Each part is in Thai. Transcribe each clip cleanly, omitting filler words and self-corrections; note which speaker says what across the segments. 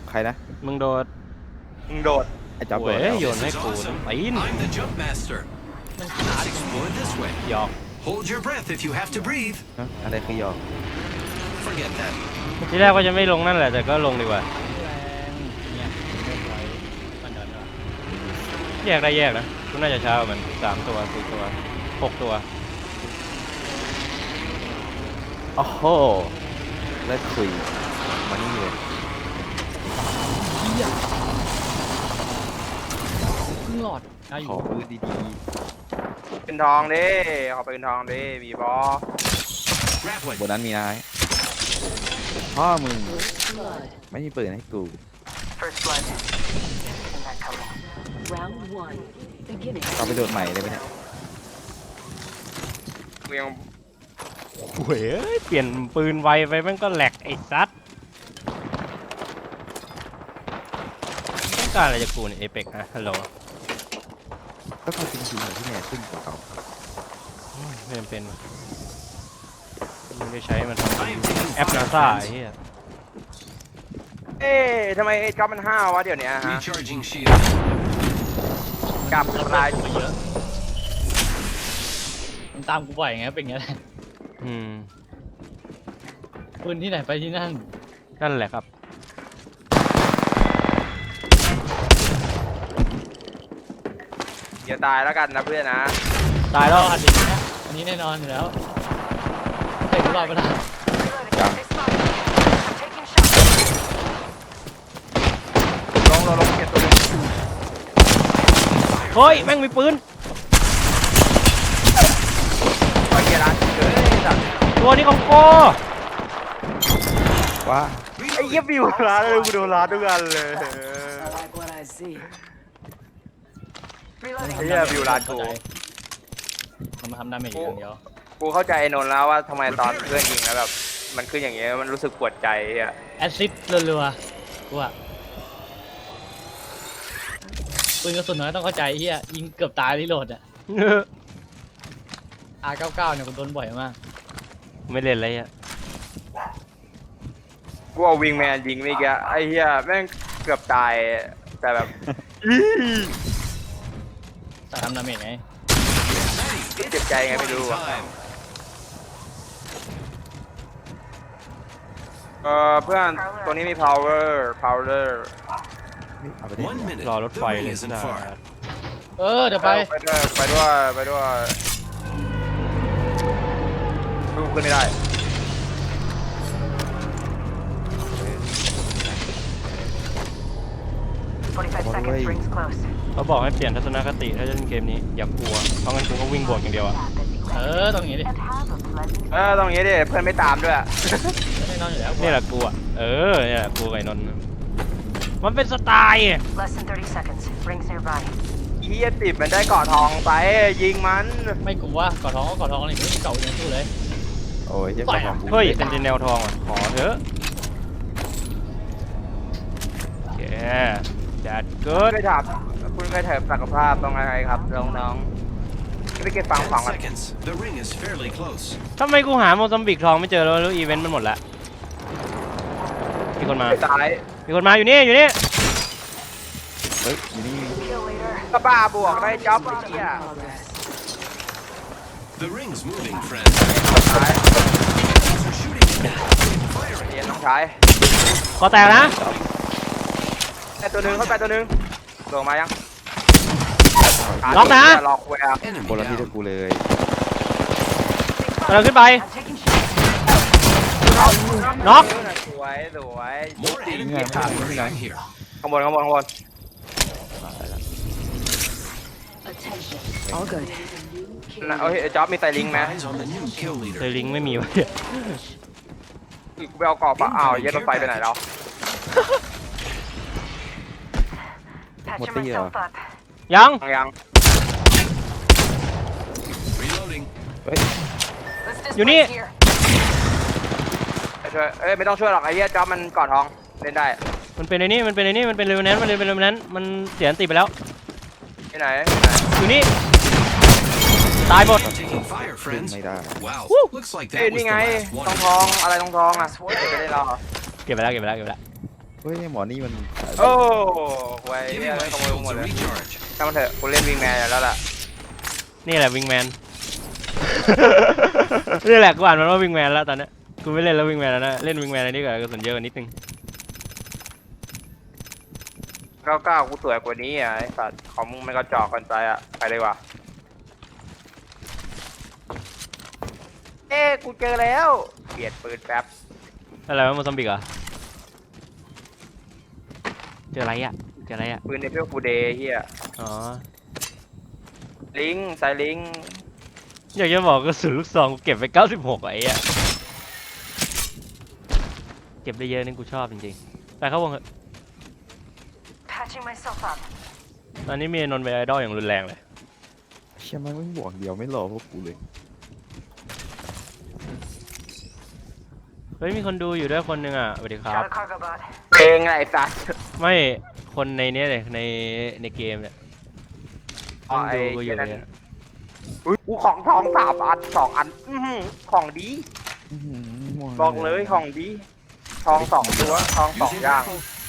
Speaker 1: ใครนะ
Speaker 2: มึงโดด
Speaker 1: ไอ้จ๊อบโดด
Speaker 2: โยนให้กูนะปีน
Speaker 3: I'm the jump master. Let's explore this way.
Speaker 2: หยอก
Speaker 3: Hold your breath if you have to breathe.
Speaker 1: อะไรคือยอ
Speaker 3: Forget that.
Speaker 2: ทีแรกว่าจะไม่ลงนั่นแหละแต่ก็ลงดีกว่าแยกได้แยกนะกูน่าจะช้ากว่ามัน3 ตัว 4 ตัว 6 ตัว
Speaker 1: โอ้โหเลิกคุยมานี่เลย
Speaker 4: ครึ่งหลอดได้อ
Speaker 1: ขอยู่ ปืนดี
Speaker 5: เป็นทองดิขอเป็นทองดิมีบอ
Speaker 3: Grab
Speaker 1: ๆ
Speaker 3: one.
Speaker 1: บนนั้นมีนายพ่อมึงไม่มีปืนให้กู
Speaker 6: First blood. Isn't that coming? Round one. Beginning.
Speaker 1: เราไปโดดใหม่เลยไหมเนี่ย
Speaker 5: กูยัง
Speaker 2: เว้ยเปลี่ยนปืนไวไปมันก็แหลกไอ้ซัดต้องการอะไรจากกูเนี่ยเอเปกอะฮัลโหล
Speaker 1: ก็เขาจริงๆที่เนี่ยขึ้นกว่าเขา
Speaker 2: ไม่จำเป็นไม่ได้ใช้มันทำแอปนาซาไอ้เหี้ย
Speaker 5: เอ๊ะทำไมไอ้จ๊อบมันห้าววะเดี๋ยวนี้ฮะ
Speaker 3: Recharging shield.
Speaker 5: กลับลาย
Speaker 4: มาเยอะมันตามกูบ่อยไงเป็นอย่างเงี้ยแหละ ปืนที่ไหนไปที่นั่น
Speaker 2: นั่นแหละครับ
Speaker 5: อย่าตายแล้วกันนะเพื่อนนะ
Speaker 2: ตายแล้ว
Speaker 4: อันนี้นะอันนี้แน่นอนอยู่แล้วเตะกูรอดไปแล้ว
Speaker 1: ยัง
Speaker 5: ลงเก็บตัวนึง
Speaker 2: เฮ้ยแม่งมีปืน
Speaker 5: ไปเกียร์ร้านเกิดไอ้สัตว์
Speaker 2: ตัวนี้ของโก
Speaker 1: ว่า
Speaker 5: ไอ้เหี้ยบิวร้านเลยกูโดนร้านทุกอันเลย
Speaker 6: I like what I see.
Speaker 5: ไอ้เหี้ยบิวร้านกู
Speaker 4: มันมาทำดาเมจอย่างเดียว
Speaker 5: กูเข้าใจไอ้นนท์แล้วว่าทำไมตอนเพื่อนยิงแล้วแบบมันขึ้นอย่างเงี้ยมันรู้สึกปวดใจอ่ะ
Speaker 4: แอซซิดรัวๆกูอะปืนกระสุนน้อยต้องเข้าใจเฮียยิงเกือบตายรีโหลดอะ R99 เนี่ยกูโดนบ่อยมาก
Speaker 2: ไม่เล่นอะไรอ่ะ
Speaker 5: กูเอาวิงแมนยิงเมื่อกี้ไอ้เหี้ยแม่งเกือบตายแต่แบบ
Speaker 4: แต่ทำดาเมจไง
Speaker 5: เจ็บใจไงไม่รู้อ่ะ
Speaker 3: Time.
Speaker 5: เพื่อนตัวนี้มี power
Speaker 1: เอาไปดิ
Speaker 3: 1 minute.
Speaker 2: รอรถ
Speaker 3: The
Speaker 2: ไฟ
Speaker 3: ring
Speaker 2: เลย
Speaker 3: isn't
Speaker 2: นะ
Speaker 3: far.
Speaker 4: เดี๋ยวไป
Speaker 5: ไปด้วยดูขึ้นไม่ได้
Speaker 6: 45 seconds. Rings close.
Speaker 2: เขาบอกให้เปลี่ยนทัศนคติถ้าจะเล่นเกมนี้อย่ากลัวเพราะงั้นกูก็วิ่งบวกอย่างเดียวอ่ะ
Speaker 4: ตรงนี้ดิ
Speaker 6: And have a pleasant
Speaker 5: ตรงนี้ดิเพื่อนไม่ตามด้วย
Speaker 4: แน่นอนอยู่แล้ว
Speaker 2: นี่แหละกูอ่ะนี่แหละกูกับไอ้นนท์มันเป็นสไตล์อะ
Speaker 6: less than 30 seconds. Rings nearby.
Speaker 5: เฮียติดมันได้เกาะทองไปยิงมัน
Speaker 4: ไม่กลัวกอดท้องก็กอดท้องนี่ไม่มีเก่าอย่างสู้เลย
Speaker 1: โอ้ยเจ้าของกู
Speaker 2: เฮ้ยเซนติเนลทองอ่ะขอเถอะโอเคจัดเกิด
Speaker 5: คุณเคยถามสักภาพต้องอะไรครับน้องๆไปเก็บฟังของ
Speaker 3: 10
Speaker 5: กัน
Speaker 3: seconds. The ring is fairly close.
Speaker 2: ทำไมกูหาโมซัมบิกทองไม่เจอแล้วอีเวนต์มันหมดละมีคนมา
Speaker 5: ไปซ้าย
Speaker 2: มีคนมาอยู่นี่
Speaker 1: เฮ้ยอยู่นี่
Speaker 6: Kill leader.
Speaker 5: ก็บ้าบวกได้จ็อบไอ้เหี้ย
Speaker 6: Progress.
Speaker 3: The ring's moving, friend.
Speaker 5: ซ้าย
Speaker 3: They're shooting. Firing.
Speaker 5: เรียนน้องชาย
Speaker 2: ก็แตกนะ
Speaker 5: แต่ตัวนึงเข้าไปตัวนึงลงมายัง
Speaker 2: ล็อกนะ
Speaker 5: ล็อกแวร์
Speaker 3: Enemy
Speaker 1: คนละที่
Speaker 3: down.
Speaker 1: กับกูเลย
Speaker 2: กำลังขึ้นไป
Speaker 6: I'm taking shots.
Speaker 2: น็อก
Speaker 5: สวย
Speaker 3: More
Speaker 5: จริง
Speaker 3: enemy
Speaker 5: เหี้ยขาด
Speaker 3: artillery in here.
Speaker 5: ข้างบน
Speaker 6: Attention. All good.
Speaker 5: นะโอ้ยจ็อบมีไตลิงไหม
Speaker 3: Eyes on the new kill
Speaker 2: เซ
Speaker 3: leader.
Speaker 2: ลิงไม่มีวะ
Speaker 5: กูไปเอากรอบปะอ้าวเย็ดรถไฟไปไหนแล้ว
Speaker 6: Patching
Speaker 1: What the,
Speaker 6: myself up.
Speaker 2: ยัง
Speaker 5: ยัง
Speaker 3: Reloading.
Speaker 6: Let's
Speaker 2: You need-
Speaker 6: disperse here.
Speaker 5: ไปช่วยไม่ต้องช่วยหรอกไอ้เหี้ยจ็อบมันกอดทองเล่นได้
Speaker 2: มันเป็นไอ้นี่มันเป็นเรเวนแนนต์มันเสียอันติไปแล้ว
Speaker 5: ที่ไหน
Speaker 2: อยู่นี่ตายหมด
Speaker 3: Taking fire,
Speaker 1: ขึ้น
Speaker 3: friends.
Speaker 1: ไม่ได้
Speaker 3: Wow. Looks like
Speaker 5: เอ้ย
Speaker 3: that was
Speaker 5: นี่
Speaker 3: the
Speaker 5: ไง
Speaker 3: last
Speaker 5: ทอง
Speaker 3: one.
Speaker 5: ทองอะไรทองทองอ่ะจะได้รอ
Speaker 2: เก็บไปแล้ว
Speaker 1: เฮ้ยหมอนี่มัน
Speaker 5: โอ้ไว้
Speaker 3: Give
Speaker 5: เนี่
Speaker 3: me
Speaker 5: ย
Speaker 3: my
Speaker 5: ขโมย
Speaker 3: shields
Speaker 5: หมด
Speaker 3: to
Speaker 5: เลย
Speaker 3: recharge.
Speaker 5: ช่างมันเถอะกูเล่นวิงแมนอยู่แล้วล่ะ
Speaker 2: นี่แหละวิงแมน นี่แหละกูอ่านมันว่าวิงแมนแล้วตอนเนี้ยกูไม่เล่นแล้ววิงแมนแล้วนะเล่นวิงแมนอันนี้ก่อนกระสุนเยอะกว่านิดนึง
Speaker 5: 99กูสวยกว่านี้อ่ะไอ้สัตว์ของมึงมันก็จอกกันใจอ่ะไปเลยว่ะกูเจอแล้วเปลี่ยนปืนแป๊บ
Speaker 2: อะไรวะโมซัมบิกเหรอเจออะไรอ่ะเจออะไรอ่ะ
Speaker 5: ปืนในเพื่อฟูเดย์เฮีย
Speaker 2: อ๋อ
Speaker 5: ลิงสายลิง
Speaker 2: อยากจะบอกกระสุนลูกซองกูเก็บไป96ไอ้อะเก็บได้เยอะนี่กูชอบจริงๆไปเข้าวงเถอะ
Speaker 6: Patching myself up.
Speaker 2: ตอนนี้มีนนท์เป็นไอดอลอย่างรุนแรงเลย
Speaker 1: เชี่ยมันไม่บวกเดียวไม่รอพวกกูเลย
Speaker 2: เฮ้ยมีคนดูอยู่ด้วยคนหนึงอ่ะสวัสดีครับ
Speaker 6: Got a cargo bot.
Speaker 5: เพลงอะไรสัตว์
Speaker 2: ไม่คนในเนี้ยเลยในเกมเนี่ย
Speaker 5: อ๋อ
Speaker 2: คน
Speaker 5: ไอ้
Speaker 2: ดูกูอยู่
Speaker 5: นั่น
Speaker 2: เนี่ย
Speaker 5: อุ้ยกูของทอง3 อัน2 อันอื้อหือของดี บอกเลยของดี ทอง2 ตัวทอง2 อย่าง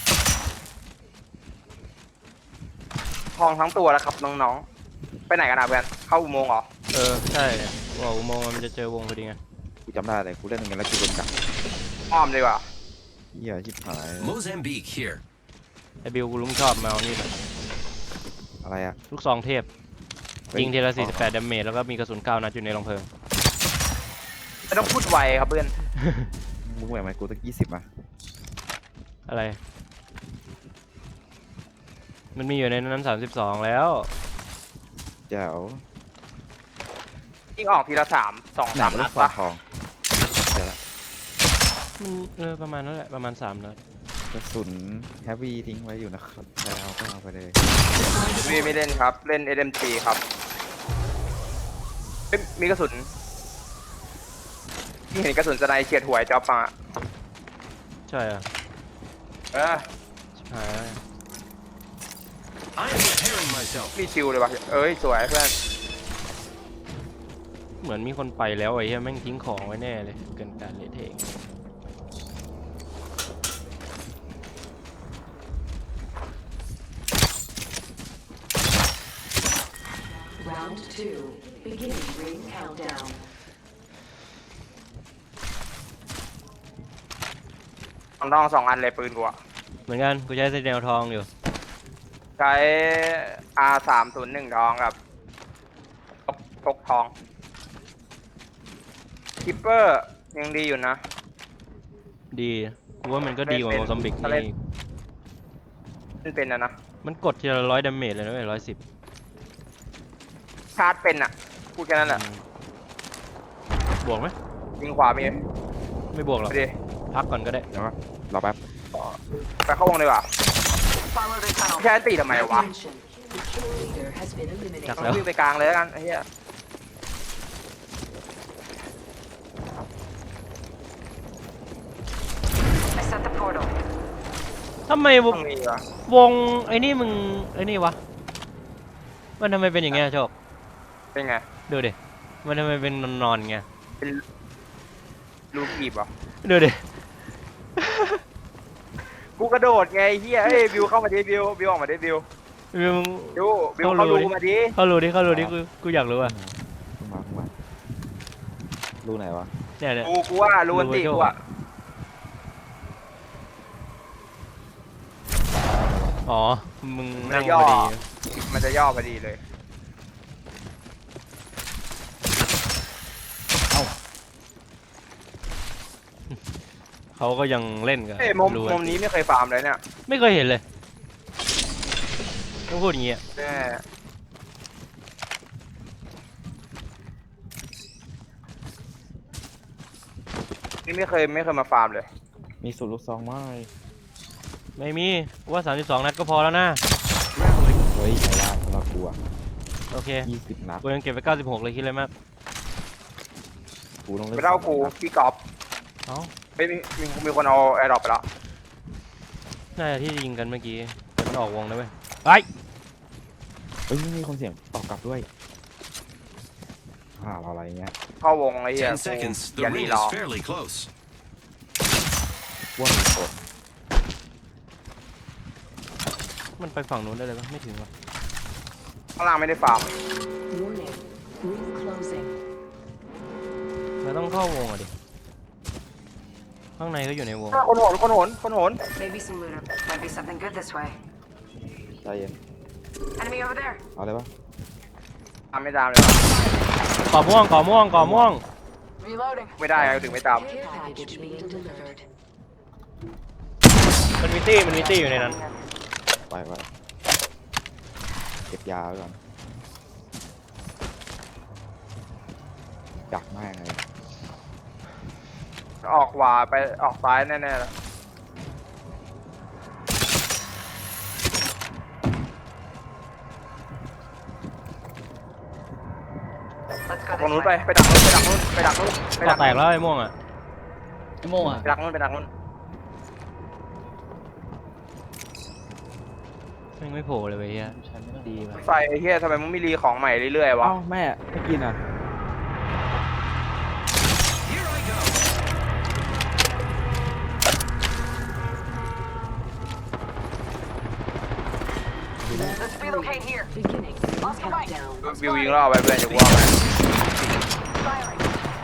Speaker 5: ทองทั้งตัวแล้วครับน้องๆไปไหนกันนะเพื่อนเข้าอุโมงค์เหรอ
Speaker 2: ใช่ว่าอุโมงค์มันจะเจอวงพอดีไง
Speaker 1: กูจำได้เลยกูเล่นอย่างนั้นแล้วกูโดนจับ
Speaker 5: อ้อมดีกว่า
Speaker 1: เหี้ยชิบหาย
Speaker 3: Mozambique here.
Speaker 2: ไอบิวกูลุ้มชอบมาเอานี่แบบ
Speaker 1: อะไรอะ
Speaker 2: ลูกซองเทพยิงทีละ48ดาเมจแล้วก็มีกระสุน9 นัดอยู่ในรองเพลิง
Speaker 5: ไม่ต้องพูดไวครับเพื่อน
Speaker 1: มึงแหวกไหมกูตั้ง20อ่ะ
Speaker 2: อะไร มันมีอยู่ในนั้น32แล้ว
Speaker 1: แจ๋ว
Speaker 5: ยิงออกทีละ2
Speaker 1: หนัก
Speaker 5: 3
Speaker 1: ลู
Speaker 5: นั
Speaker 1: ก
Speaker 5: ด
Speaker 1: ฟอ
Speaker 5: ปะ
Speaker 1: งทองเดี๋ยวละ
Speaker 2: มันประมาณนั้นแหละประมาณ3 นัด
Speaker 1: กระสุนแฮฟวี่ทิ้งไว้อยู่นะครับใครเอาก็เอาไปเลย
Speaker 5: ไม่เล่นครับ เล่น SMG ครับเอ้ยมีกระสุนที่เห็นกระสุนสไนเฉียดหัวไอ้จ๊อบมา
Speaker 2: ใช่อ่ะ
Speaker 5: เออ
Speaker 2: ชิบหาย
Speaker 3: I am preparing myself.
Speaker 5: มีชิวเลยว่ะเอ้ยสวยเพื่อน
Speaker 2: เหมือนมีคนไปแล้วไอ้เหี้ยแม่งทิ้งของไว้แน่เลยเกินการเละเทะ
Speaker 6: Round 2. Beginning ring countdown.
Speaker 5: ทอง2 อันเลยปืนกูอะ
Speaker 2: เหมือนกันกูใช้เซนเนลทองอยู่
Speaker 5: ใช้ R301 ทองกับพกทองคิปเปอร์ยังดีอยู่นะ
Speaker 2: ดีกูว่ามันก็ดีกว่า
Speaker 5: เป็น
Speaker 2: โมซัมบิก
Speaker 5: ถ้าเล่น
Speaker 2: นี่
Speaker 5: มันเป็นนะ
Speaker 2: มันกดทีละ100 ดาเมจเลยนะเว้ย110
Speaker 5: ชาร์จเป็นอะพูดแค่นั้นแหละ
Speaker 2: บวกไหม
Speaker 5: ยิงขวามี
Speaker 2: ไม่บวกหรอก
Speaker 5: ไปดิ
Speaker 2: พักก่อนก็ได้
Speaker 1: เดี๋ยวรอแป๊บ
Speaker 5: ไปเข้าวงดีกว่า
Speaker 6: Follow the tunnel.
Speaker 5: แค่ตีทำไมวะ
Speaker 6: Attention. The kill leader has been eliminated.
Speaker 5: ต้องวิ่งไปกลางเลยแล้วกันไอ้เหี้ย
Speaker 6: I set the portal.
Speaker 2: ทำไมว
Speaker 5: ต้อง งมีวะ
Speaker 2: วงไอ้นี่มึงไอ้นี่วะมันทำไมเป็นอย่างเงี้ยโชค
Speaker 5: เป็นไง
Speaker 2: ดูดิมันทำไมเป็นนอนๆไง
Speaker 5: เป็นลูกกีบเหรอ
Speaker 2: ดูดิ
Speaker 5: กูกระโดดไงไอ้เหี้ยเฮ้ยบิวเข้ามาดิบิวออกมาดิบิว
Speaker 2: มึง
Speaker 5: บิวเข้ารูมาดิ
Speaker 2: เข้ารูดิกูอยากรู้อ่ะ
Speaker 1: ขึ้นมารู้ไหนวะ
Speaker 2: เนี่ยเนี่ย
Speaker 5: กูว่ารูอันติกูอะ
Speaker 2: อ๋อมึง
Speaker 5: มัน
Speaker 2: นั่ง
Speaker 5: จะย่
Speaker 2: พ
Speaker 5: อ
Speaker 2: อดี
Speaker 5: มันจะย่อพอดีเลย
Speaker 2: เขาก็ยังเล่นกัน
Speaker 5: เอ้ยมุม
Speaker 2: รู
Speaker 5: นี้ไม่เคยฟาร์มเลยเนี่ย
Speaker 2: ไม่เคยเห็นเลยต้องพูดอย่างเงี้ย
Speaker 5: แน่นี่ไม่เคยมาฟาร์มเลย
Speaker 1: มีสูตรลูกซองไหม
Speaker 2: ไม่มีกูว่า32 นัดก็พอแล้วนะ
Speaker 1: เฮ้ยใช้ได้สำหรับกูอ่ะ
Speaker 2: โอเค
Speaker 1: 20 นัด
Speaker 2: กูยังเก็บไป96เลยคิดเลยมาก
Speaker 1: กูต้องเล่น
Speaker 5: ไม่เล่ากูพี่กอล์ฟ
Speaker 2: เอ้า
Speaker 5: ไม่มีคนเอาแอร์ดรอปไปแล้ว
Speaker 2: น่าจะที่ยิงกันเมื่อกี้แต่มันออกวงนะเว้ยไป
Speaker 1: เฮ้ยมีคนเสียงตอบกลับด้วยเราอะไรเงี้ย
Speaker 5: เข้าวงไอ้เหี้ย
Speaker 3: 10 seconds.
Speaker 5: อย่า
Speaker 3: The
Speaker 5: รี
Speaker 3: ring
Speaker 5: รอ
Speaker 3: is fairly close.
Speaker 1: ว่ามีกด
Speaker 2: มันไปฝั่งนู้นได้เลยปะไม่ถึงวะ
Speaker 5: ข้างล่างไม่ได้ฟาร์ม
Speaker 6: Warning. Ring closing.
Speaker 2: เราต้องเข้าวงอ่ะดิข้างในก็อยู่ในวง
Speaker 5: คนโหนคนโหนคนโหน
Speaker 6: Maybe some looter. Might be something good this way.
Speaker 1: ใจเย็น
Speaker 6: Enemy over there.
Speaker 1: เอาเลยปะ
Speaker 5: ตามไม่ตามเลย
Speaker 2: ก่อม่วงก่อม่วงก่อม่วง
Speaker 6: Reloading.
Speaker 5: ไม่ได้ถึงไม่ตาม
Speaker 6: Care package being delivered.
Speaker 2: มันมีตี้อยู่ในนั้น
Speaker 1: ไปเก็บยาไว้ก่อนดักมากเลย
Speaker 5: ออกขวาไปออกซ้ายแน่ๆแล้ว
Speaker 6: Let's go
Speaker 5: ตรงนู้น
Speaker 6: this
Speaker 5: ไป
Speaker 6: way.
Speaker 5: ไปดักนู้นไปดักนู้นไปดักนู้นไป
Speaker 2: ก่
Speaker 5: ดั
Speaker 2: อก แตกแล้วไอ้ม่วงอ่ะ
Speaker 4: ไอ้โม่อะ
Speaker 5: ไปดักนู้นไปดักนู้น
Speaker 2: แม่งไม่โผล่เลยเว้ยเฮีย
Speaker 4: ใช้ไม่ต้อง
Speaker 2: ดีว่ะ
Speaker 5: ไฟไอ้เฮียทำไมมึงไม่รีของใหม่เรื่อยๆวะ
Speaker 1: เอ้าแม่ไม่กินอ่ะ
Speaker 3: Here I go.
Speaker 6: Let's relocate here. Beginning. Countdown.
Speaker 5: วิวยิงล่อไปเพื่อนจะว่าไง
Speaker 6: Firing.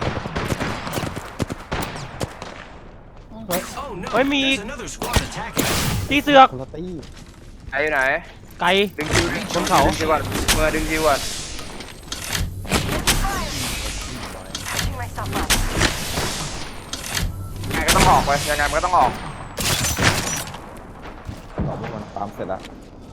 Speaker 3: Oh no.
Speaker 2: Ôi, mì.
Speaker 3: There's another squad attacking.
Speaker 2: ตีเสือก
Speaker 1: คนละตี้
Speaker 5: ไอ้อยู่ไหน
Speaker 2: ไก่
Speaker 5: ดึงคิว
Speaker 2: บนเขา
Speaker 5: ดึงคิวก่อนเมื่อดึงคิวก่อน
Speaker 6: Patching myself up.
Speaker 5: ยังไงก็ต้องออกไปยังไงมันก็ต้องออก
Speaker 1: ต่อพวกมันตามเสร็จแล้ว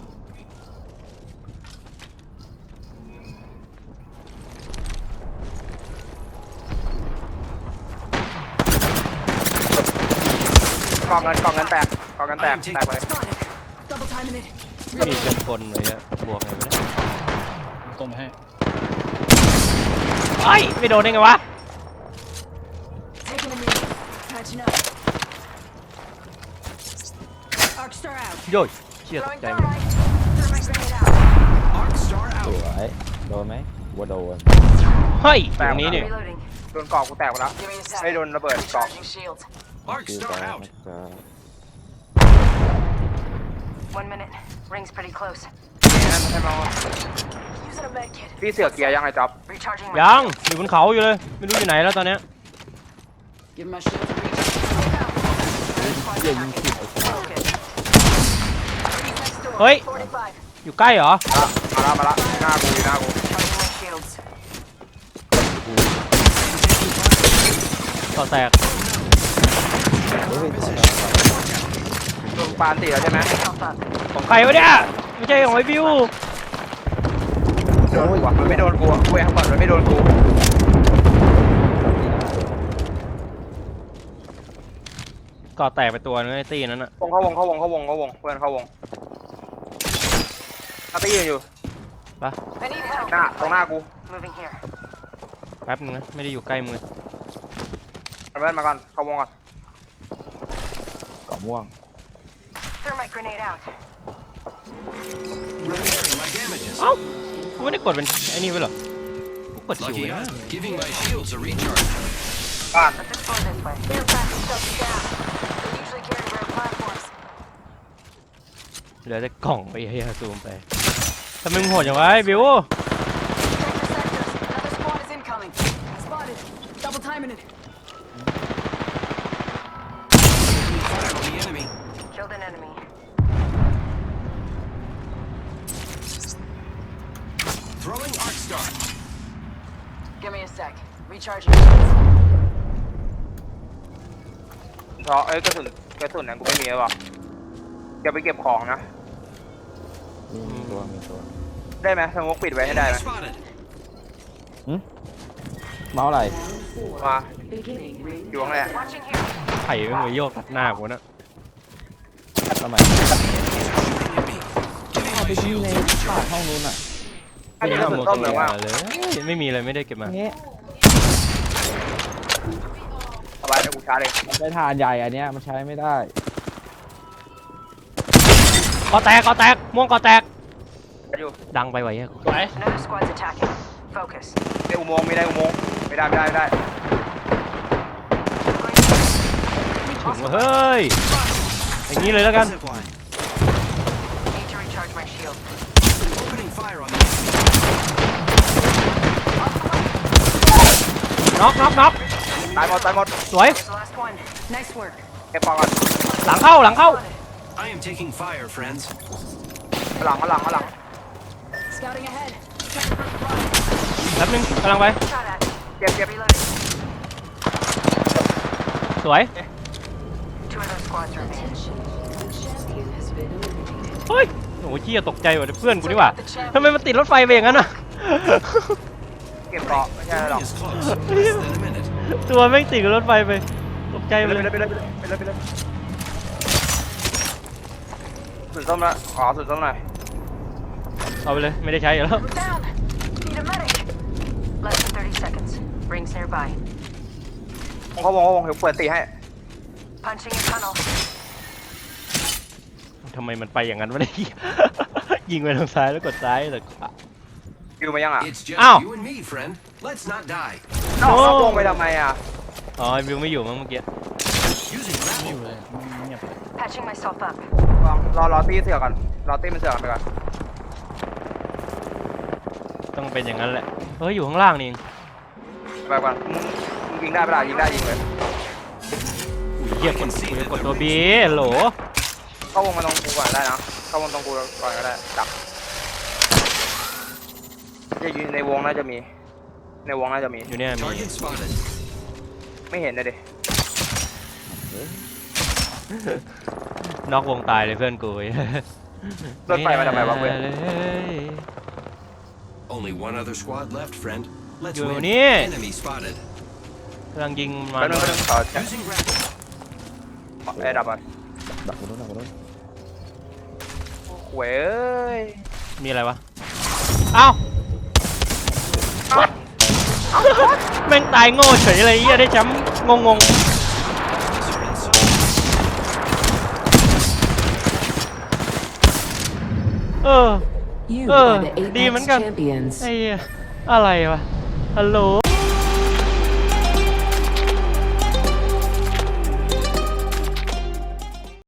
Speaker 5: กองเงินแตกกองเงินแตกแตกไปเลย
Speaker 6: Spotted. Double timing it.
Speaker 2: มีเกินคนเลยอะบวกไงวะเนี่ย
Speaker 4: ตรงไปให้
Speaker 2: ไอ้ยไม่โดนได้ไงวะ
Speaker 6: Taking a minute. Patching up. Arc star out.
Speaker 2: โย่เชี่ยตก
Speaker 6: Throwing
Speaker 2: ใจหมด
Speaker 6: thermite. Thermite grenade out.
Speaker 3: Arc star
Speaker 1: ส
Speaker 3: out.
Speaker 1: วยโดนไหมว่าโดน
Speaker 2: เฮ้ยอยู่ตรงนี้นี่
Speaker 6: Reloading.
Speaker 5: โดนกอกกูแตกไปแล้ว
Speaker 6: Give me a sec.
Speaker 5: ไม่โดนระเบิดกอก
Speaker 6: Recharging shields.
Speaker 3: Arc
Speaker 1: คือ
Speaker 3: star
Speaker 1: จะ
Speaker 3: out.
Speaker 1: จะ
Speaker 6: 1 minute. Ring's pretty close.
Speaker 5: นั่นใช่ไหม
Speaker 6: Using a med kit.
Speaker 5: พี่เสือกเกียร์ยังไงจ๊อบ
Speaker 6: Recharging my
Speaker 2: ยัง
Speaker 6: shields.
Speaker 2: อยู่บนเขาอยู่เลยไม่รู้อยู่ไหนแล้วตอนเนี้ย
Speaker 6: Give my shields a recharge.
Speaker 1: เยี่ยยิงผิดไอ้สัส
Speaker 6: Focus. Next door.
Speaker 2: เฮ้ย
Speaker 6: 45.
Speaker 2: อยู่ใกล้เหรอ
Speaker 5: มาละหน้ากูอยู่หน้ากู
Speaker 6: Charging my shields.
Speaker 2: ต่อแตก
Speaker 1: เฮ้ย
Speaker 5: โดนปานตีแล้วใช่ไหม
Speaker 6: Health up.
Speaker 2: ของใครวะเนี่ยไม่ใช่ของไอ้บิว
Speaker 5: โดนกูอะมันไม่โดนกูอะกูเองก่อนมันไม่โดนกู
Speaker 2: ก่อแตกไปตัวนึงไอ้ตีนั้นอะ
Speaker 5: เข้าวงเพื่อนเข้าวงอาร์ตี้ยืนอยู่
Speaker 6: I need help.
Speaker 5: หน้าตรงหน้ากู
Speaker 6: Moving here.
Speaker 2: แป๊บนึงนะไม่ได้อยู่ใกล้มือ
Speaker 5: เอาเพื่อนมาก่อนเข้าวงก่อน
Speaker 1: เกาะม่วง
Speaker 6: Thermite grenade out.
Speaker 3: Repairing my damages.
Speaker 2: เอ้ากูไม่ได้กดเป็นไอ้นี่ไว้เหรอกูกดคิว
Speaker 3: Lucky
Speaker 2: ไว้นะ
Speaker 3: us. Giving my shields a recharge.
Speaker 5: บ้าน
Speaker 6: Let's explore this way. They're fast stuff down. They usually carry rare platforms.
Speaker 2: เหลือแต่กล่องไปเฮียซูมไปทำไมมึงโหดอย่างวะไอ้บิว
Speaker 6: Check the sectors. Another squad is incoming. Spotted. Double timing it.
Speaker 3: Fire on the enemy.
Speaker 6: Killed an enemy.
Speaker 3: Throwing arc star.
Speaker 6: Give me a sec. Recharging shields.
Speaker 5: เพราะกระสุนเนี่ยกูไม่มีแล้วว่ะอย่าไปเก็บของนะ
Speaker 1: มีตัว
Speaker 5: ได้ไหมสมมติปิดไว้ให้ได้ไหม
Speaker 3: Enemy spotted.
Speaker 1: เมาส์อะไร
Speaker 5: มา
Speaker 6: Beginning ring.
Speaker 5: อยู่ข้างใน
Speaker 6: Watching here.
Speaker 2: ไข่ไม่งไปโยกตัดหน้ากูนะ
Speaker 1: ทำไม
Speaker 3: Enemy. Giving
Speaker 1: เอาไป
Speaker 3: my
Speaker 1: ที่
Speaker 3: shields
Speaker 1: ใน
Speaker 3: a
Speaker 1: ปาก
Speaker 3: recharge.
Speaker 1: ห้องนู้นอ่ะ
Speaker 5: อันนี้กระสุนต้มเหรือว่า
Speaker 2: เลยไม่มีเลยไม่ได้เก็บมา
Speaker 1: เงี้ย
Speaker 5: สบายเดี๋ยวกูชาร์จเลย
Speaker 1: มันได้ทานใหญ่อันเนี้ยมันใช้ไม่ได้
Speaker 2: ก่อแตกม่วงก่อแตก
Speaker 5: อยู่
Speaker 2: ดังไปไว้เฮีย
Speaker 4: สวย
Speaker 6: Another squad's attacking. Focus.
Speaker 5: ได้อุโมงค์ไม่ได้อุโมงค์ไม่ได้
Speaker 2: ถึงว่าเฮ้ยอย่างนี้เลยแล้วกัน
Speaker 3: Zip line.
Speaker 6: Need to recharge my shield.
Speaker 3: Opening fire on the
Speaker 2: น็อก
Speaker 5: ตายหมดตายหมด
Speaker 2: สวย
Speaker 6: There's the last one. Nice work.
Speaker 5: เก็บปองก่อน
Speaker 2: หลังเข้า
Speaker 3: I am taking fire, friends.
Speaker 5: หลัง
Speaker 6: Scouting ahead.
Speaker 2: แป๊บนึงกำลังไป
Speaker 6: Shot at.
Speaker 5: เก็บ
Speaker 6: Reloading.
Speaker 2: สวย
Speaker 6: Two of those squads remain.
Speaker 7: Attention, the champion has been eliminated.
Speaker 2: เฮ้ยโอ้ยเชี่ยตกใจว่ะเพื่อนกูนี่หว่าทำไมมันติดรถไฟไปอย่างนั้นอ่ะ
Speaker 5: เก็บเกาะไม่ใช่หรอก
Speaker 3: Is close. Less than a minute.
Speaker 2: ตัวแม่งติดกับรถไฟไปตกใจ
Speaker 5: ไป
Speaker 2: ไป
Speaker 5: เลย
Speaker 2: เลย
Speaker 5: ไปเลยสุดส้มละขอสุดส้มหน่อย
Speaker 2: เอาไปเลยไม่ได้ใช้อยู่แล้ว
Speaker 6: We're down. Need a medic. Less than 30 seconds. Rings nearby.
Speaker 5: เขาวงเดี๋ยวเปิดตีให้
Speaker 6: Punching a tunnel.
Speaker 2: ทำไมมันไปอย่างนั้นวะเนี่ย ยิงไปทางซ้ายแล้วกดซ้ายแต่ขวา
Speaker 5: คิวมายังอ่ะ
Speaker 3: It's just
Speaker 2: Ow.
Speaker 3: you and me, friend. Let's not die.
Speaker 5: นอกเขาวงไปทำไมอ่ะ
Speaker 2: อ๋อไอ้วิวไม่อยู่มั้งเมื่อกี้
Speaker 3: Using
Speaker 4: อ
Speaker 3: grapple.
Speaker 4: ยู่เลยเงียบ
Speaker 6: Patching myself up.
Speaker 5: รอตีเสือก่อนรอตีมันเสือกันไปก่อน
Speaker 2: ต้องเป็นอย่างนั้นแหละเฮ้ยอยู่ข้างล่างนี่เอง
Speaker 5: ไปก่อนมึงยิงได้ปะล่ะยิงได้ยิงเลย
Speaker 2: อุ้ยเหี้ยกดกูจะกดตัวบีโหล
Speaker 5: เข้าวงมาตรงกูก่อนได้นะเข้าวงตรงกูก่อนก็ได้ดักจะอยู่ในวงน่าจะมีในวงน่าจะมี
Speaker 2: อยู่เนี่ยมี
Speaker 3: Target spotted.
Speaker 5: ไม่เห็นเลยดิ
Speaker 2: นอกวงตายเลยเพื่อนกู
Speaker 5: รถไฟมาทำไมวะเว้ย
Speaker 2: เลย
Speaker 3: Only one other squad left, friend. Let's
Speaker 2: อยู่
Speaker 3: win.
Speaker 2: นี่
Speaker 3: Enemy spotted.
Speaker 2: กำลังยิงมา
Speaker 5: ไปนึงขอ
Speaker 3: Using grapple.
Speaker 5: ดับก่อน
Speaker 1: ดักกูโดน
Speaker 5: เว้ย
Speaker 2: มีอะไรวะอ้าวแม่งตายโง่เฉยเลยเหี้ยได้แชมป์งง
Speaker 3: Officer and soldier.
Speaker 2: เออ
Speaker 7: You
Speaker 2: Oh,
Speaker 7: are the
Speaker 2: di
Speaker 7: Apex
Speaker 2: man kan.
Speaker 7: champions.
Speaker 2: ไอ้เหี้ยอะไรวะฮัลโหล